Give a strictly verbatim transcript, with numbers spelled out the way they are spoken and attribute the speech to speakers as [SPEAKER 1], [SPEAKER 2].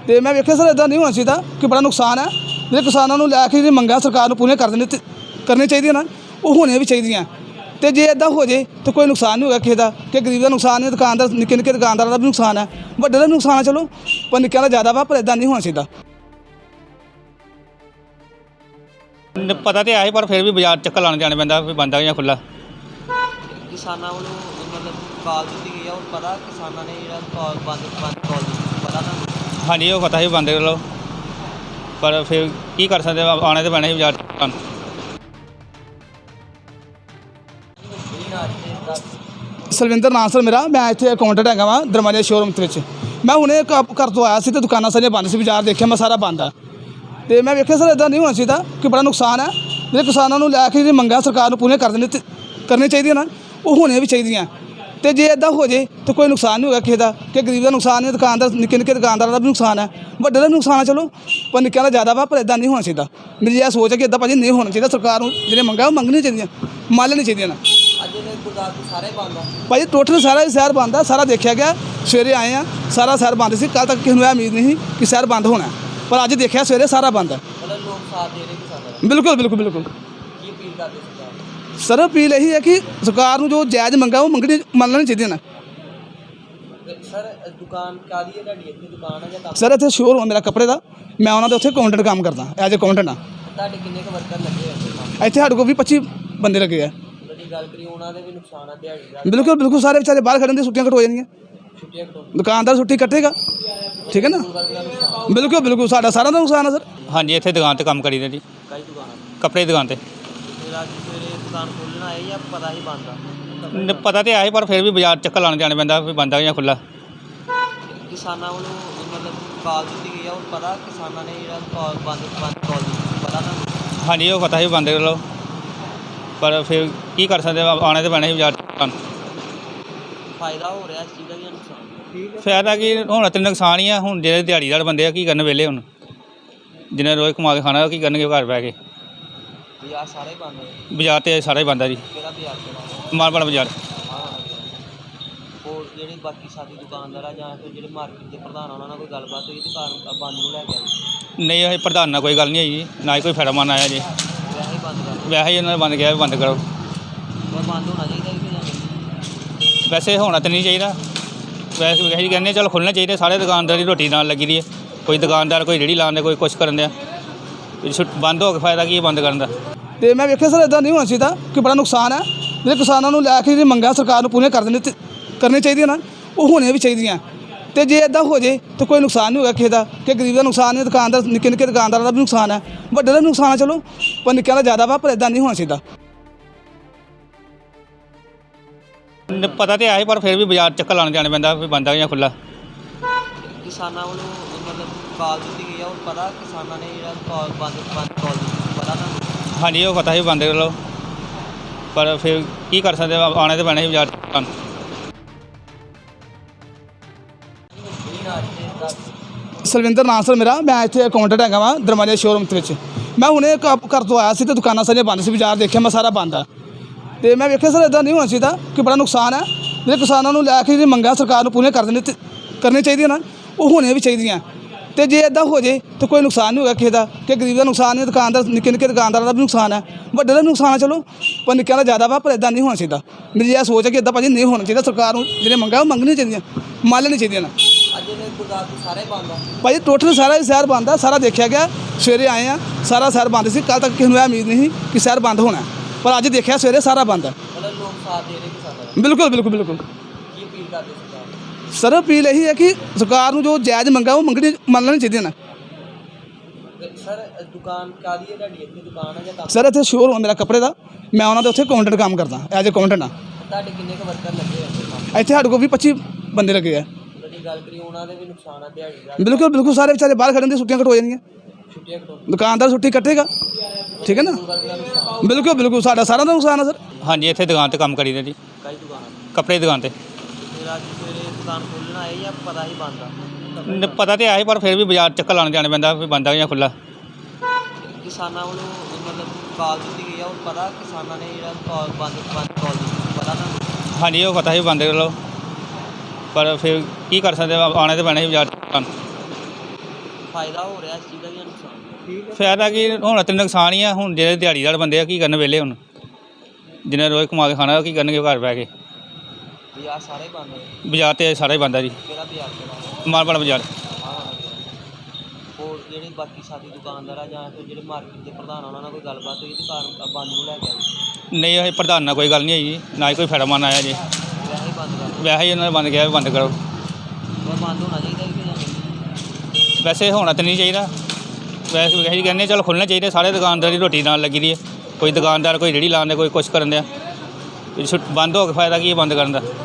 [SPEAKER 1] तो मैं वेख्या सर इदां नहीं होना चाहिए कि बड़ा नुकसान है। जो किसानों को लैके जी मंगां सरकार पूरी कर देनी करनी चाहिए ना, वो होनी भी चाहिए। तो जे इदां हो जाए तो कोई नुकसान नहीं होगा किसी का, कि गरीब का नुकसान है, दुकानदार निक्के निक्के दुकानदारों का भी नुकसान है, वड्डे का नुकसान है चलो, पर निक्कियां का ज़्यादा वा, पर इदां नहीं होना चाहिए।
[SPEAKER 2] पता तो है पर फिर भी बाजार चक्कर लाने जाना पैंदा भी बंद है या खुला।
[SPEAKER 3] किसानों को मतलब कॉल दी गई है और पता किसानों ने जो कॉल बंद बंद कॉल दी पता था।
[SPEAKER 2] हाँ जी वो पता ही बंद कर लो, पर फिर की कर सकते आने तो पैना ही बाजार।
[SPEAKER 1] सलविंदर नाम सर मेरा, मैं इतने अकाउंटेंट है वा दरवाजे शोरूम के। मैं हुणे घर तो आया तो दुकाना सारियां बंद से, बाजार देखा मैं सारा बंद है। तो मैं वेख्या सर इदां नहीं होना चाहिए कि बड़ा नुकसान है। जो किसानों को लैके जी मंगां सरकार पूरी कर देनी करनी चाहिए ना, वो होनी भी चाहिए। तो जे इदां हो जाए तो कोई नुकसान नहीं होगा किसी का, कि गरीब का नुकसान है, दुकानदार निक्के निक्के दुकानदारों का भी नुकसान है, वड्डे का नुकसान है चलो, पर निक्कियां का ज़्यादा वा, पर इदां नहीं होना चाहिए। मेरी यह सोच है कि इदां भाजी नहीं होना चाहिए। सरकार को जो मंगां वो मंगनी चाहिए, माल नहीं चाहिए ना। भाई टोटल सारा ही शहर बंद है, सारा देखा गया। सवेरे आए हैं सारा शहर बंद से, कल तक किसी को उम्मीद नहीं कि शहर बंद होना है, पर अज देखा सवेरे सारा बंद है। बिल्कुल बिल्कुल बिल्कुल सर अपील यही है कि सरकार को जो जायज़ मंगा वो मंगनी मनना चाहिए ना। सर इतने शोरूम है मेरा कपड़े का, मैं उन्होंने उत्थे अकाउंटेंट काम करदा एज अकाउंटेंट हाँ। इतने साढ़े को भी पच्ची बंदे लगे है। बिल्कुल बिल्कुल सारे बेचारे बाहर खड़े, छुट्टियां कट हो जाएंगी, दुकानदार छुट्टी कटेगा, ठीक है ना। बिल्कुल बिल्कुल साढ़ा सारा का नुकसान है सर।
[SPEAKER 2] हाँ जी इतने दुकान पर काम करी जी, कपड़े की दुकान पर। पता तो है पर फिर भी बाजार चक्कर लाने जाना पैंदा भी बंद है या खुला।
[SPEAKER 3] किसानों को मतलब कॉल दी गई है और पता किसानों ने जो कॉल बंद बंद कॉल दी पता था।
[SPEAKER 2] हाँ जी वो पता ही बंद कर लो, पर फिर की कर सकते आने तो पैना ही बाजार।
[SPEAKER 3] फायदा हो रहा इस चीज़ का या नुकसान?
[SPEAKER 2] फायदा कि हूँ तो नुकसान ही है। हूँ जो दिहाड़ीदार बंदे आ की करन वेले, हूँ जिन्हें रोज़ कमा के खाना की करनगे घर बह के।
[SPEAKER 3] बाजार सारे बंद है,
[SPEAKER 2] बाजार तो सारा ही बंद है जी,
[SPEAKER 3] किहड़ा बाजार किहड़ा?
[SPEAKER 2] मालवाड़ा बाजार।
[SPEAKER 3] और ਜਿਹੜੇ ਬਾਕੀ ਸਾਡੀ ਦੁਕਾਨਦਾਰ ਆ ਜਾਂ ਫਿਰ ਜਿਹੜੇ ਮਾਰਕੀਟ ਦੇ ਪ੍ਰਧਾਨ ਉਹਨਾਂ ਨਾਲ ਕੋਈ ਗੱਲਬਾਤ ਹੋਈ ਦੁਕਾਨ ਬੰਦ ਨੂੰ ਲੈ ਕੇ ਆਈ?
[SPEAKER 2] नहीं अभी प्रधान ना कोई गल नहीं आई जी, ना ही कोई फायदा मन आया जी,
[SPEAKER 3] ਵੈਸੇ ਹੀ ਬੰਦ ਕਰ
[SPEAKER 2] वैसे ही उन्होंने बंद किया भी बंद करो।
[SPEAKER 3] ਪਰ ਬੰਦ ਹੋਣਾ ਚਾਹੀਦਾ ਕਿ ਜਾਂ
[SPEAKER 2] वैसे होना तो नहीं चाहिए, वैसे वैसे कहने चलो खुलना चाहिए। सारे दुकानदार की रोटी नाल लगी दी है, कोई दुकानदार कोई रेहड़ी लाने कोई कुछ करन दिया, बंद हो के फायदा की बंद करन दा।
[SPEAKER 1] तो मैं वेख्या सर इदां नहीं होना चाहिए कि बड़ा नुकसान है। जो किसानों को लैके जी मंगां सरकार पूरी कर देनी करनी चाहिए ना, वो होनी भी चाहिए। तो जे इदां हो जाए तो कोई नुकसान नहीं होगा किसी का, कि गरीब का नुकसान है, दुकानदार निक्के निक्के दुकानदारों का भी नुकसान है, वड्डे का नुकसान है चलो, पर निक्कियां का ज़्यादा वा, पर इदां नहीं होना चाहिए।
[SPEAKER 2] पता तो है पर फिर भी बाजार चक्कर लाने जाना पैंदा भी बंद है या खुला।
[SPEAKER 3] किसानों को मतलब कॉल दी गई है और पता किसानों ने जो कॉल बंद बंद कॉल दी पता था।
[SPEAKER 2] हाँ जी वो पता ही बंद कर लो, पर फिर की कर सकते आने तो पैना ही बाजार।
[SPEAKER 1] सलविंदर नाम सर मेरा, मैं इतने अकाउंटेंट है वा दरवाजे शोरूम के। मैं हुणे घर तो आया तो दुकाना सारियां बंद से, बाजार देखा मैं सारा बंद है। तो मैं वेख्या सर इदां नहीं होना चाहिए कि बड़ा नुकसान है। जो किसानों को लैके जी मंगां सरकार पूरी कर देनी करनी चाहिए ना, वो होनी भी चाहिए। तो जे इदां हो जाए तो कोई नुकसान नहीं होगा किसी का, कि गरीब का नुकसान है, दुकानदार निक्के निक्के दुकानदारों का भी नुकसान है, वड्डे का नुकसान है चलो, पर निक्कियां का ज़्यादा वा, पर इदां नहीं होना चाहिए। मेरी यह सोच है कि इदां भाजी नहीं होना चाहिए। सरकार को जो मंगां वो मंगनी चाहिए, माल नहीं चाहिए ना। भाई टोटल सारा ही शहर बंद है, सारा देखा गया। सवेरे आए हैं सारा शहर बंद से, कल तक किसी को उम्मीद नहीं कि शहर बंद होना है, पर अज देखा सवेरे सारा बंद है। बिल्कुल बिल्कुल बिल्कुल सर अपील यही है कि सरकार को जो जायज़ मंगा वो मंगनी मनना चाहिए ना। सर इतने शोरूम है मेरा कपड़े का, मैं उन्होंने उत्थे अकाउंटेंट काम करदा एज अकाउंटेंट हाँ। इतने साढ़े को भी पच्ची बंदे लगे है। बिल्कुल बिल्कुल सारे बेचारे बाहर खड़े, छुट्टियां कट हो जाएंगी, दुकानदार छुट्टी कटेगा, ठीक है ना। बिल्कुल बिल्कुल साढ़ा सारा का नुकसान है सर।
[SPEAKER 2] हाँ जी इतने दुकान पर काम करी जी, कपड़े की दुकान पर। पता तो है पर फिर भी बाजार चक्कर लाने जाना पैंदा भी बंद है या खुला।
[SPEAKER 3] किसानों को मतलब कॉल दी गई है और पता किसानों ने जो कॉल बंद बंद कॉल दी पता था।
[SPEAKER 2] हाँ जी वो पता ही बंद कर लो, पर फिर की कर सकते आने तो पैना ही बाजार।
[SPEAKER 3] ਫਾਇਦਾ ਹੋ ਰਿਹਾ ਇਸ ਚੀਜ਼ ਦਾ ਜਾਂ ਨੁਕਸਾਨ? ਠੀਕ
[SPEAKER 2] ਫਾਇਦਾ ਕੀ ਹੁਣ ਤੇ ਨੁਕਸਾਨ ਹੀ ਆ। ਹੁਣ ਜਿਹੜੇ ਦਿਹਾੜੀਦਾਰ ਬੰਦੇ ਆ ਕੀ ਕਰਨ ਵਿਹਲੇ ਹੁਣ, ਜਿਹਨੇ ਰੋਜ਼ ਕਮਾ ਕੇ ਖਾਣਾ ਉਹ ਕੀ ਕਰਨਗੇ ਘਰ ਬਹਿ ਕੇ।
[SPEAKER 3] ਬਾਜ਼ਾਰ ਸਾਰੇ ਬੰਦ ਹੋਏ।
[SPEAKER 2] ਬਾਜ਼ਾਰ ਤੇ ਸਾਰਾ ਹੀ ਬੰਦ ਆ ਜੀ।
[SPEAKER 3] ਕਿਹੜਾ ਬਾਜ਼ਾਰ ਕਿਹੜਾ?
[SPEAKER 2] ਮਾਲਪੁਰ ਬਾਜ਼ਾਰ।
[SPEAKER 3] ਹੋਰ ਜਿਹੜੇ ਬਾਕੀ ਸਾਥੀ ਦੁਕਾਨਦਾਰ ਆ ਜਾਂ ਫਿਰ ਜਿਹੜੇ ਮਾਰਕੀਟ ਦੇ ਪ੍ਰਧਾਨ ਆ ਉਹਨਾਂ ਨਾਲ ਕੋਈ ਗੱਲਬਾਤ ਹੋਈ ਦੁਕਾਨ ਬੰਦ ਨੂੰ ਲੈ ਕੇ ਆਈ?
[SPEAKER 2] ਨਹੀਂ ਇਹ ਪ੍ਰਧਾਨ ਨਾਲ ਕੋਈ ਗੱਲ ਨਹੀਂ ਹੋਈ ਜੀ, ਨਾ ਹੀ ਕੋਈ ਫੈੜਾਮਨ ਆਇਆ ਜੀ।
[SPEAKER 3] ਵੈਸੇ ਹੀ ਬੰਦ ਕਰ
[SPEAKER 2] ਵੈਸੇ ਹੀ ਉਹਨਾਂ ਨੇ ਬੰਦ ਕਿਹਾ ਵੀ ਬੰਦ ਕਰੋ।
[SPEAKER 3] ਉਹ ਬੰਦ ਹੋਣਾ ਚਾਹੀਦਾ ਕਿ ਜਾਂ
[SPEAKER 2] ਵੈਸੇ ਹੋਣਾ ਤਾਂ ਨਹੀਂ ਚਾਹੀਦਾ, ਵੈਸੇ ਵੀ ਅਸੀਂ ਕਹਿੰਦੇ ਚਲੋ ਖੁੱਲ੍ਹਣਾ ਚਾਹੀਦਾ। ਸਾਰੇ ਦੁਕਾਨਦਾਰ ਦੀ ਰੋਟੀ ਨਾਲ ਲੱਗੀ ਦੀ ਹੈ, ਕੋਈ ਦੁਕਾਨਦਾਰ ਕੋਈ ਰੇਹੜੀ ਲਾਉਂਦੇ ਕੋਈ ਕੁਛ ਕਰਨ ਦਿਆ। ਬੰਦ ਹੋ ਕੇ ਫਾਇਦਾ ਕੀ ਹੈ ਬੰਦ ਕਰਨ ਦਾ।